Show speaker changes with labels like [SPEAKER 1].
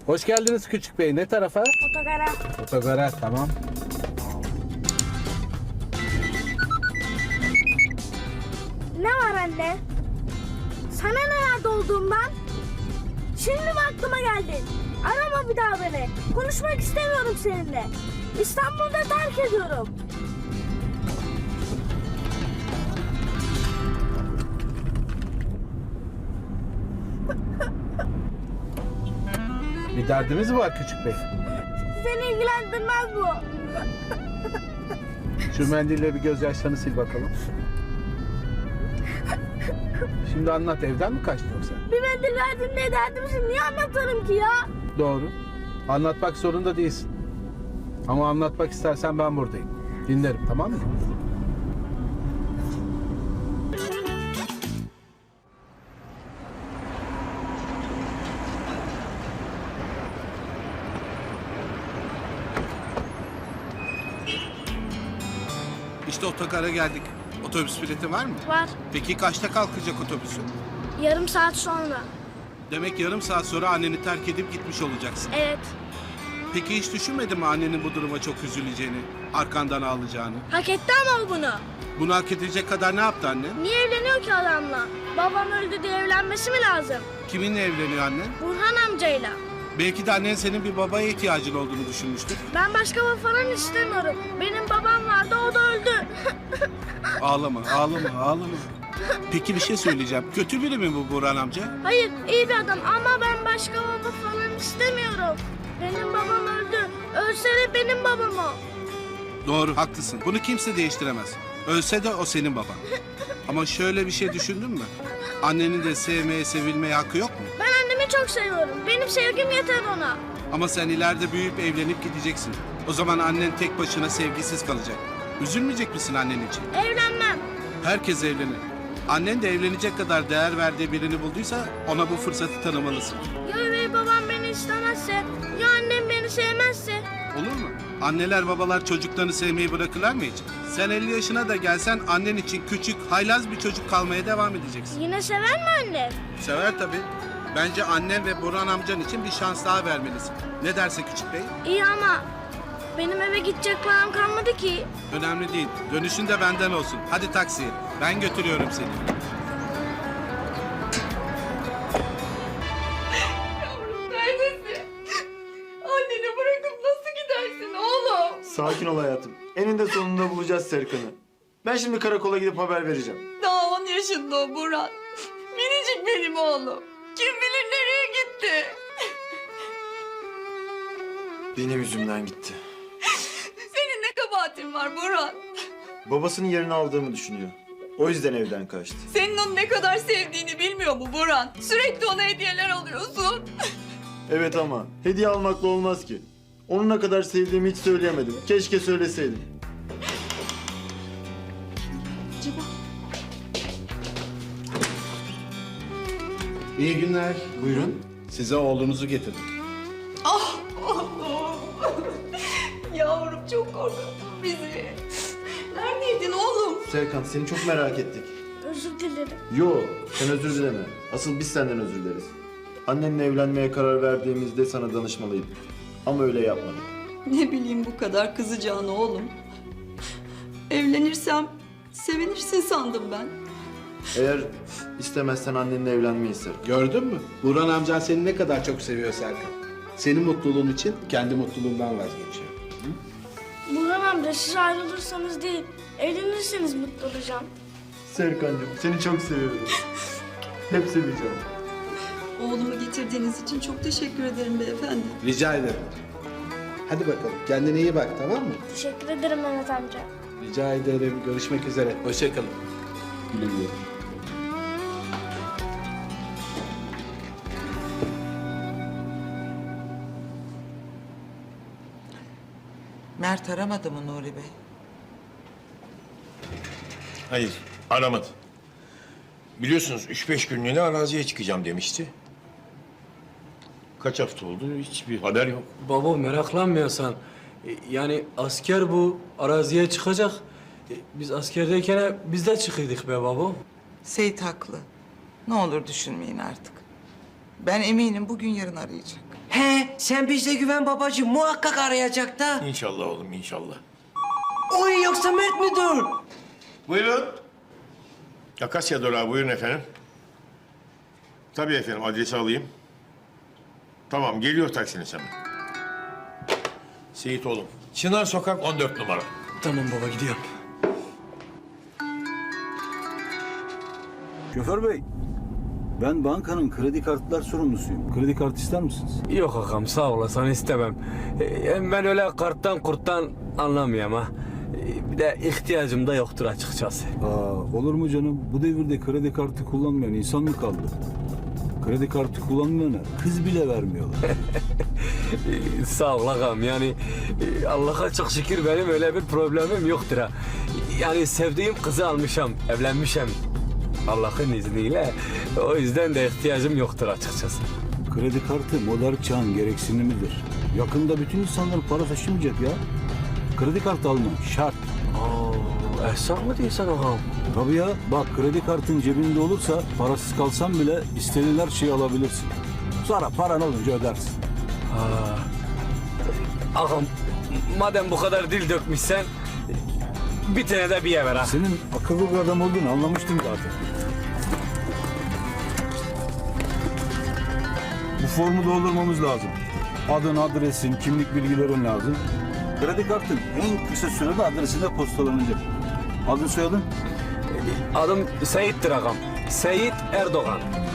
[SPEAKER 1] Hoş geldiniz Küçük Bey. Ne tarafa?
[SPEAKER 2] Otogara.
[SPEAKER 1] Otogara, tamam.
[SPEAKER 2] Ne var anne? Sana nerede olduğumdan? Şimdi mi aklıma geldi? Arama bir daha beni. Konuşmak istemiyorum seninle. İstanbul'da terk ediyorum.
[SPEAKER 1] Bir derdimiz mi var Küçük Bey?
[SPEAKER 2] Seni ilgilendirmez bu.
[SPEAKER 1] Şu mendille bir gözyaşlarını sil bakalım. Şimdi anlat, evden mi kaçtın yoksa?
[SPEAKER 2] Bir mendil verdin diye derdimizi niye anlatırım ki ya?
[SPEAKER 1] Doğru. Anlatmak zorunda değilsin. Ama anlatmak istersen ben buradayım. Dinlerim, tamam mı?
[SPEAKER 3] İşte otogara geldik. Otobüs bileti var mı?
[SPEAKER 2] Var.
[SPEAKER 3] Peki kaçta kalkacak otobüsün?
[SPEAKER 2] Yarım saat sonra.
[SPEAKER 3] Demek yarım saat sonra anneni terk edip gitmiş olacaksın.
[SPEAKER 2] Evet.
[SPEAKER 3] Peki hiç düşünmedin mi annenin bu duruma çok üzüleceğini, arkandan ağlayacağını?
[SPEAKER 2] Hak etti ama o bunu.
[SPEAKER 3] Bunu hak edecek kadar ne yaptı annen?
[SPEAKER 2] Niye evleniyor ki adamla? Babam öldü diye evlenmesi mi lazım?
[SPEAKER 3] Kiminle evleniyor annen?
[SPEAKER 2] Burhan amcayla.
[SPEAKER 3] Belki de annen senin bir babaya ihtiyacın olduğunu düşünmüştür.
[SPEAKER 2] Ben başka baba falan istemiyorum. Benim babam vardı, o da öldü.
[SPEAKER 3] Ağlama, ağlama, ağlama. Peki bir şey söyleyeceğim. Kötü biri mi bu Burhan amca?
[SPEAKER 2] Hayır, iyi bir adam ama ben başka baba falan istemiyorum. Benim babam öldü. Ölse de benim babam o.
[SPEAKER 3] Doğru, haklısın. Bunu kimse değiştiremez. Ölse de o senin baban. Ama şöyle bir şey düşündün mü? Annenin de sevmeye, sevilmeye hakkı yok mu?
[SPEAKER 2] Ben annemi çok seviyorum. Benim sevgim yeter ona.
[SPEAKER 3] Ama sen ileride büyüyüp evlenip gideceksin. O zaman annen tek başına sevgisiz kalacak. Üzülmeyecek misin annen için?
[SPEAKER 2] Evlenmem.
[SPEAKER 3] Herkes evlenir. Annen de evlenecek kadar değer verdiği birini bulduysa ona bu fırsatı tanımalısın.
[SPEAKER 2] Ya üvey babam beni istemezse, ya annem beni sevmezse.
[SPEAKER 3] Olur mu? Anneler babalar çocuklarını sevmeyi bırakırlar mı hiç? Sen 50 yaşına da gelsen annen için küçük, haylaz bir çocuk kalmaya devam edeceksin.
[SPEAKER 2] Yine sever mi annem?
[SPEAKER 3] Sever tabii. Bence annen ve Burhan amcan için bir şans daha vermelisin. Ne derse Küçük Bey?
[SPEAKER 2] İyi ama benim eve gidecek param kalmadı ki.
[SPEAKER 3] Önemli değil. Dönüşün de benden olsun. Hadi taksiye. Ben götürüyorum seni.
[SPEAKER 4] Yavrum neredesin? Anneni bırakıp nasıl gidersin oğlum?
[SPEAKER 5] Sakin ol hayatım. Eninde sonunda bulacağız Serkan'ı. Ben şimdi karakola gidip haber vereceğim.
[SPEAKER 4] Daha 10 yaşında o Burhan. Minicik benim oğlum. Kim bilir nereye gitti?
[SPEAKER 5] Benim yüzümden gitti.
[SPEAKER 4] Senin ne kabahatin var Burhan?
[SPEAKER 5] Babasının yerini aldığımı düşünüyor. O yüzden evden kaçtı.
[SPEAKER 4] Senin onu ne kadar sevdiğini bilmiyor mu Burhan? Sürekli ona hediyeler alıyorsun.
[SPEAKER 5] Evet ama hediye almakla olmaz ki. Onu ne kadar sevdiğimi hiç söyleyemedim. Keşke söyleseydim.
[SPEAKER 3] İyi günler.
[SPEAKER 5] Buyurun.
[SPEAKER 3] Size oğlunuzu getirdim.
[SPEAKER 4] Ah oğlum. Yavrum çok korkuttun bizi. Neredeydin oğlum?
[SPEAKER 5] Serkan seni çok merak ettik.
[SPEAKER 2] Özür dilerim.
[SPEAKER 5] Yo, sen özür dileme. Asıl biz senden özür dileriz. Annenle evlenmeye karar verdiğimizde sana danışmalıydık. Ama öyle yapmadık.
[SPEAKER 4] Ne bileyim bu kadar kızacağını oğlum. Evlenirsem sevinirsin sandım ben.
[SPEAKER 5] Eğer istemezsen annenle evlenmeyi Serkan.
[SPEAKER 3] Gördün mü? Burhan amcan seni ne kadar çok seviyor Serkan. Senin mutluluğun için kendi mutluluğundan vazgeçiyor.
[SPEAKER 2] Burhan amca siz ayrılırsanız değil, evlenirseniz mutlu olacağım.
[SPEAKER 5] Serkan'cığım seni çok seviyorum. Hep seveceğim.
[SPEAKER 4] Oğlumu getirdiğiniz için çok teşekkür ederim beyefendi.
[SPEAKER 3] Rica ederim. Hadi bakalım. Kendine iyi bak, tamam mı?
[SPEAKER 2] Teşekkür ederim Mehmet amca.
[SPEAKER 3] Rica ederim. Görüşmek üzere. Hoşça kalın.
[SPEAKER 5] Güle güle.
[SPEAKER 6] Mert aramadı mı Nuri Bey?
[SPEAKER 7] Hayır, aramadı. Biliyorsunuz 3-5 günlüğüne araziye çıkacağım demişti. Kaç hafta oldu, hiçbir haber yok.
[SPEAKER 8] Baba meraklanmıyorsan. Yani asker bu araziye çıkacak. Biz askerdeyken biz de çıkıyorduk be baba.
[SPEAKER 6] Seyit haklı. Ne olur düşünmeyin artık. Ben eminim bugün yarın arayacak.
[SPEAKER 9] He, sen bizde güven babacığım. Muhakkak arayacak da.
[SPEAKER 7] İnşallah oğlum inşallah.
[SPEAKER 9] Oy yoksa Mert müdür?
[SPEAKER 7] Buyurun. Akasya Durağı buyurun efendim. Tabii efendim adresi alayım. Tamam geliyor taksiniz hemen. Seyit oğlum. Çınar Sokak 14 numara.
[SPEAKER 8] Tamam baba gidiyorum.
[SPEAKER 10] Şoför bey, ben bankanın kredi kartlar sorumlusuyum. Kredi kartı ister misiniz?
[SPEAKER 8] Yok ağam sağ olasın istemem. Hem ben öyle karttan kurttan anlamıyorum ha. Bir de ihtiyacım da yoktur açıkçası.
[SPEAKER 10] Olur mu canım? Bu devirde kredi kartı kullanmayan insan mı kaldı? Kredi kartı kullanmayana kız bile vermiyorlar.
[SPEAKER 8] Sağ ol ağam yani Allah'a çok şükür benim öyle bir problemim yoktur ha. Yani sevdiğim kızı almışım, evlenmişim. Allah'ın izniyle o yüzden de ihtiyacım yoktur açıkçası.
[SPEAKER 10] Kredi kartı modern çağın gereksinimidir. Yakında bütün insanlar para taşımayacak ya. Kredi kartı almak şart.
[SPEAKER 8] Esnaf mı diyorsun ağam?
[SPEAKER 10] Tabii ya, bak kredi kartın cebinde olursa parasız kalsan bile istediğin her şeyi alabilirsin. Sonra paran olunca ödersin.
[SPEAKER 8] Ağam madem bu kadar dil dökmüşsen bir tane de bir ver ha.
[SPEAKER 10] Senin akıllı bir adam olduğunu anlamıştım zaten. Bu formu doldurmamız lazım. Adın, adresin, kimlik bilgilerin lazım. Kredi kartın en kısa sürede adresine postalanacak. Adın, soyadın?
[SPEAKER 8] Adım Seyit'tir ağam. Seyit Erdoğan.